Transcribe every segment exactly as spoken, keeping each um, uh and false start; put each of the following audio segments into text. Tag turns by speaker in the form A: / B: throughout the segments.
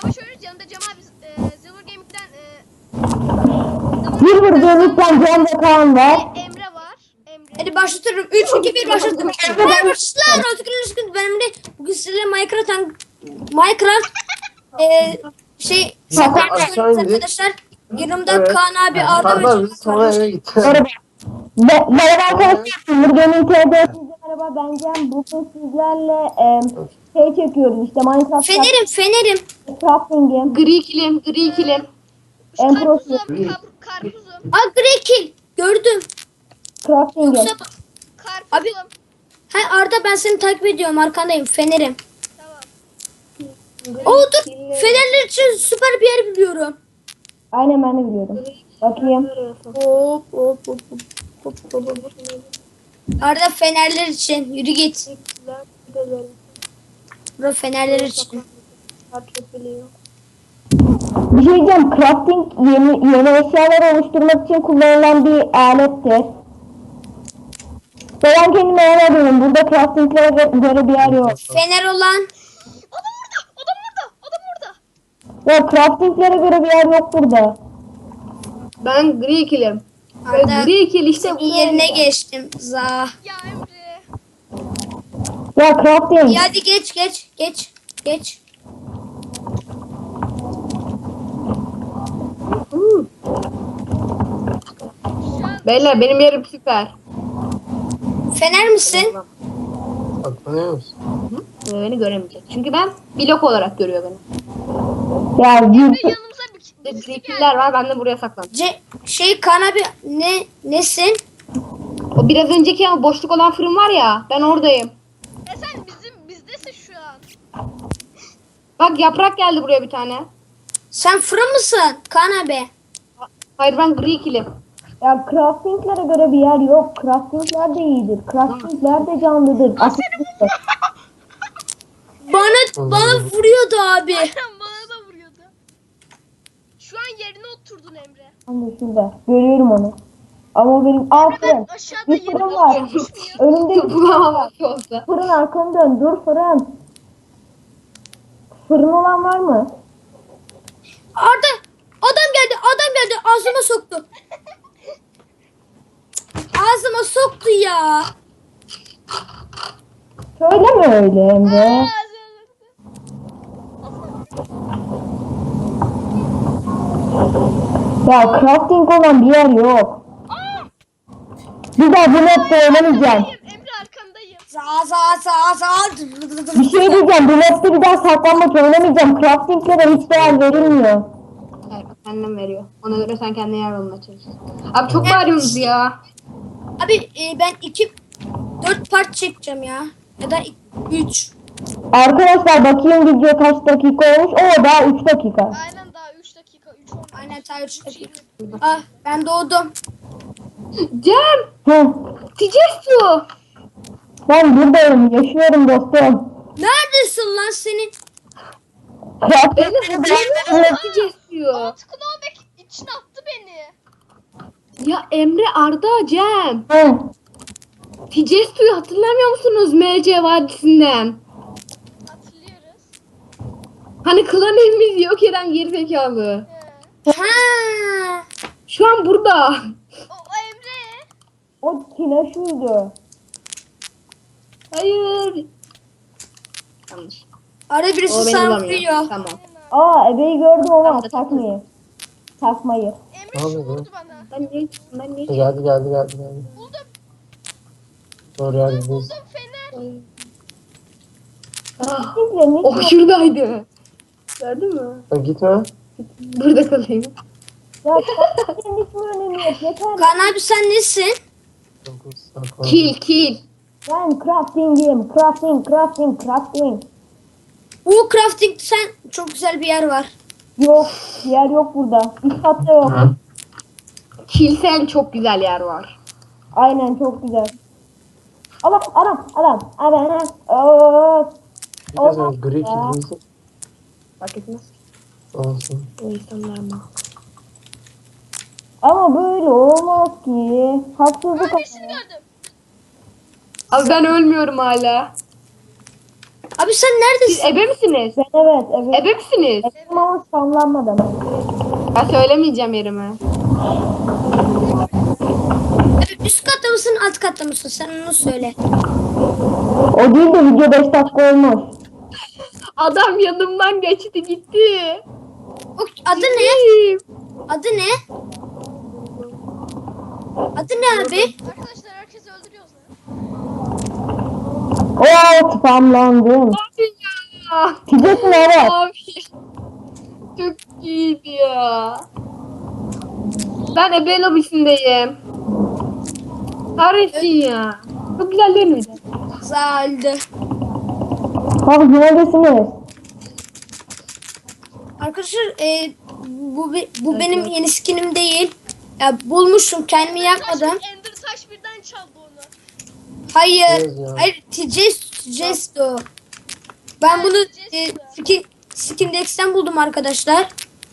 A: Savaş oynuyoruz. Yanında Cem abi e, Silver Gaming'den e,
B: Silver Gaming'den Can ve Kaan var.
A: ve Emre var. Emre.
C: Hadi başlatıyorum. üç iki bir başlattım. Merhaba arkadaşlar. Artık benim de bugün sizinle Minecraft Minecraft eee şey
D: Zaten
C: saklanmış
D: aşağı
C: oynuyoruz
D: indik.
C: arkadaşlar. Yanımda
D: Evet.
C: Kaan abi, Arda ve
D: Pardon
C: Can
D: biz sonra
C: var.
D: eve gittik.
B: Merhaba. Me- Merhaba arkadaşlar. Silver Gaming T V. Merhaba ben Can. Bugün sizlerle e, şey çekiyoruz işte Minecraft
C: Fenerim, fenerim.
B: Crafting'i.
E: Gri kilim, gri kilim.
A: Şu
B: En
A: karpuzum,
B: prosu.
A: kap, karpuzum,
C: Aa, Grey Kill. Gördüm.
B: Crafting'i.
C: Yoksa
A: karpuzum.
C: Abi- ha Arda, ben seni takip ediyorum, arkandayım, fenerim.
A: Tamam.
C: Oo dur. Fenerler için süper bir yer biliyorum.
B: Aynen ben de biliyorum. Bakayım.
C: Hop hop hop hop hop hop hop. Arda, fenerler için yürü git. Bura fenerler için.
B: Bir şey diyeceğim. Crafting yeni, yeni eşyalar oluşturmak için kullanılan bir alettir. Ben kendime yer arıyorum. Burada craftinglere gö- göre bir yer yok.
C: Fener olan
A: Adam orada, adam orada, adam orada.
B: Ya craftinglere göre bir yer yok burada.
E: Ben gri kilim.
C: Arda,
E: Gri kil işte bu.
C: yerine geçtim. Za.
A: Ya Emre.
B: Ya crafting.
C: İyi, hadi geç geç geç geç.
E: Hı.
A: Şu an
E: Beyler benim yerim süper.
C: Fener misin?
D: Baklanıyor musun?
E: Hı? Beni göremeyecek. Çünkü ben blok olarak görüyor beni.
B: Ya
A: Emre
B: yürü.
A: yanımıza bir
E: İşte
A: birisi
E: Gri
A: geldi.
E: killer var, ben de buraya saklandım.
C: Ce şey Kaan abi, ne nesin?
E: O biraz önceki ama boşluk olan fırın var ya, ben oradayım.
A: E sen bizim bizdesin şu an.
E: Bak yaprak geldi buraya bir tane.
C: Sen fırın mısın Kaan abi?
E: Hayır, ben gri kilim.
B: Ya craftinglere göre bir yer yok. Craftingler de iyidir. Craftingler de canlıdır. Aslında
C: Bana bana vuruyordu abi.
A: Bana da vuruyordu. Şu an yerine oturdun Emre.
B: ben de şurada. Görüyorum onu. Ama benim aferin.
A: Ben aşağıda
B: Bir
A: yerine
B: fırın var.
A: oturmuş muyum?
B: Önümde
E: Bulamamak olsa.
B: fırın, arkanı dön. Dur fırın. Fırın olan var mı?
C: Arda, adam geldi, adam geldi, ağzıma soktu. Ağzıma soktu ya.
B: Söyleme öyle Emre. Ya crafting olan bir yer yok. Bir daha bu mapte oynamayacağım.
A: Emre arkandayım.
C: Za za za za.
B: Bir şey diyeceğim. Bu mapte bir daha saklanmak oynamayacağım. Craftinglere hiç değer verilmiyor.
E: Evet, annem veriyor. Ona göre sen kendine yer bulmaya çalış. Abi çok bağırıyorsunuz ya.
C: Abi e, ben iki dört part çekeceğim ya. Ya da üç.
B: Arkadaşlar bakayım video kaç dakika olmuş. Oo daha üç dakika.
A: Aynen daha üç dakika, üç oldu.
C: Aynen, ta üç dakika. Ah, ben doğdum.
E: Cem!
B: Hı.
E: Ticestu!
B: Ben buradayım. Yaşıyorum dostum.
C: Neredesin lan senin?
B: Crafting
E: Ticestu.
A: Alt Knowback içine attı beni.
E: Ya Emre, Arda, Cem.
B: Hı.
E: Ticestu'yu hatırlamıyor musunuz M C Vadisi'nden?
A: Hatırlıyoruz.
E: Hani klan evimiz yok eden gerizekalı.
A: He.
C: Ha.
E: Şu an burada.
A: O, o Emre.
B: O Tina şuydu.
E: Hayır. Yanlış.
C: Arada birisi
E: O beni
C: sana
E: bulamıyor.
C: vuruyor.
E: Tamam.
B: Aa ebeyi gördüm ama
E: Tamam,
B: takmayı. Takmayı.
A: Emre
D: Tamam,
A: şu
D: tamam.
A: vurdu bana.
E: Ben ne? Ben ne?
D: Geldi geldi geldi geldi.
A: Buldum,
D: Doğru yerdeyiz.
A: buldum fener.
E: Ah,
B: Sizle ne
E: oh şuradaydı. Gördün mü?
D: Sen gitme.
E: Burada kalayım.
B: Ya senin hiç mi önemi yok? Yeter.
C: Kaan abi, sen nesin?
D: Dokuz, saklan.
E: Kill kill.
B: Ben crafting'im. Crafting, crafting, crafting.
C: Bu crafting, sen çok güzel bir yer var.
B: Yok. Yer yok burada. Üst katta yok.
D: Hı.
E: Kilsen çok güzel yer var.
B: Aynen çok güzel. Adam, adam, adam, adam. Oo.
D: Bir de sen gri kirliysin.
E: Fark etmez.
D: Olsun.
E: O insanlar mı?
B: Ama böyle olmaz ki. Haksızlık.
A: Ben birisini gördüm.
E: Abi ben ölmüyorum hala.
C: Abi sen
E: Siz
C: neredesin?
E: ebe misiniz?
B: Ben evet evet.
E: Ebe misiniz?
B: Ettim ama spamlanmadım.
E: Ben söylemeyeceğim yerimi.
C: Evet, üst katta mısın alt katta mısın? Sen onu söyle.
B: O değil de video beş dakika olmuş.
E: Adam yanımdan geçti gitti.
C: O, adı ne? Adı ne? Adı ne abi?
A: Arkadaşlar herkesi öldürüyoruz lan.
B: Oo spamlandım.
E: Abi ya.
B: Ticesin evet.
E: Abi. Çok iyiydi ya. Ben ebe lobisindeyim. Kahretsin ya. Çok güzel değil miydi?
C: Güzeldi.
B: Abi neredesiniz?
C: Arkadaşlar e, bu be- bu benim yeni skinim değil. Ya bulmuşum kendimi yapmadım.
A: Taş, Ender taş birden çaldı onu.
C: Hayır.
D: Evet ya.
C: Hayır. Tijesto. Ben bunu e, skin, Skindex'ten buldum arkadaşlar.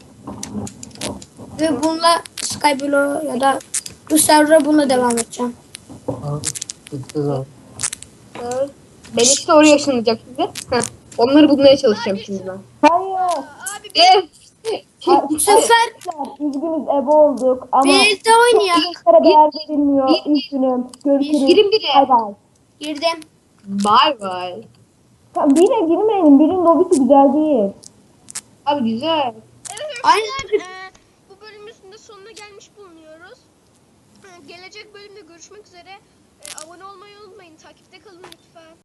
C: Ve bununla Skyblock ya da bu server'a bununla devam edeceğim.
D: Abi, gitti zaten.
E: Ben işte oraya ışınlayacak şimdi. Heh. Onları bulmaya çalışacağım şimdi ben.
B: Hayır.
A: Abi bir
E: Evet.
C: Bu sefer
B: Üzgünüz ebe olduk ama
C: bir elde oynayalım.
B: Çocuklara değer verilmiyor. Üzgünüm. Görüşürüz.
E: Girin biri.
B: Bay bay.
C: Girdim.
E: Bye bye.
B: Tamam, bire girmeyelim. Birin lobisi güzel değil.
E: Abi güzel.
A: evet
C: Aynen.
A: arkadaşlar e, bu bölümümüzün de sonuna gelmiş bulunuyoruz. E, gelecek bölümde görüşmek üzere. E, abone olmayı unutmayın. Takipte kalın lütfen.